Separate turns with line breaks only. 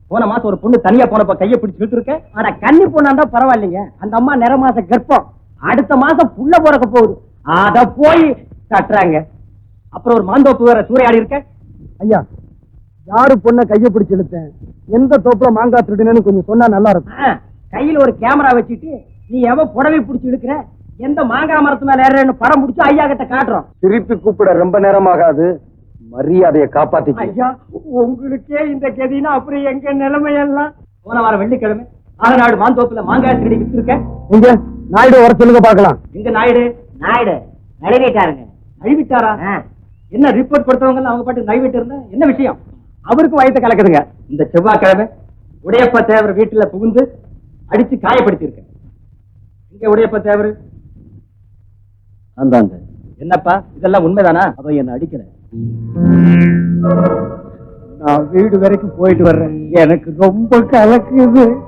போன மாசம் ஒரு பொண்ணு தனியா போனப்ப கையை பிடிச்சிட்டு இருக்க.
ஆனா கன்னி பொண்ணாண்டா பரவாயில்லைங்க, அந்த அம்மா நிற மாச கர்ப்பம், அடுத்த மாசம் புள்ள பிறக்க போகுது, அத போய் தட்டுறாங்க.
அப்புறம் ஒரு மாந்தோப்பு வேற சூறையாடி இருக்க.
ஐயா, யாரு பொண்ண கைய பிடிச்சு இழுத்தேன், எந்த தோப்புல மாங்காய் திருடுனேன்னு கொஞ்சம் சொன்னா நல்லா இருக்கும். கையில ஒரு கேமரா வச்சுட்டு நீ எவன் புடவை பிடிச்சு இழுக்கிற, எந்த மாங்காய் மரத்து மேல ஏறன்னு படம் பிடிச்சு ஐயா கிட்ட காட்டுறோம்.
திருப்பி கூப்பிட ரொம்ப நேரமாகாது, மரியாதையை காப்பாத்தி.
ஐயா, உங்களுக்கே இந்த கதினா அப்புறம் எங்க நிலைமையெல்லாம்.
போன வாரம் வெள்ளிக்கிழமை ஆலநாடு மாந்தோப்புல மாங்காய் திருடி வித்துருக்க.
இங்க நாயுடு வர சொல்லுங்க பாக்கலாம்.
எங்க நாயுடு?
நாயுடு நழுவிட்டாருங்க.
நழுவிட்டாரா? என்ன ரிப்போர்ட் கொடுத்தவங்க அவங்க பாட்டு நழுவிட்டு இருந்தா என்ன விஷயம்? அவருக்கு வயத்தை கலக்குதுங்க. இந்த செவ்வாய்க்கிழமை உடையப்ப தேவர் வீட்டுல புகுந்து அடிச்சு காயப்படுத்தி இருக்க. இங்க உடையப்ப தேவர்
அந்தாங்க.
என்னப்பா இதெல்லாம் உண்மைதானா?
அவ என்ன அடிக்கிற.
நான் வீடு வரைக்கும் போயிட்டு வர்றேன், எனக்கு ரொம்ப கலக்குது.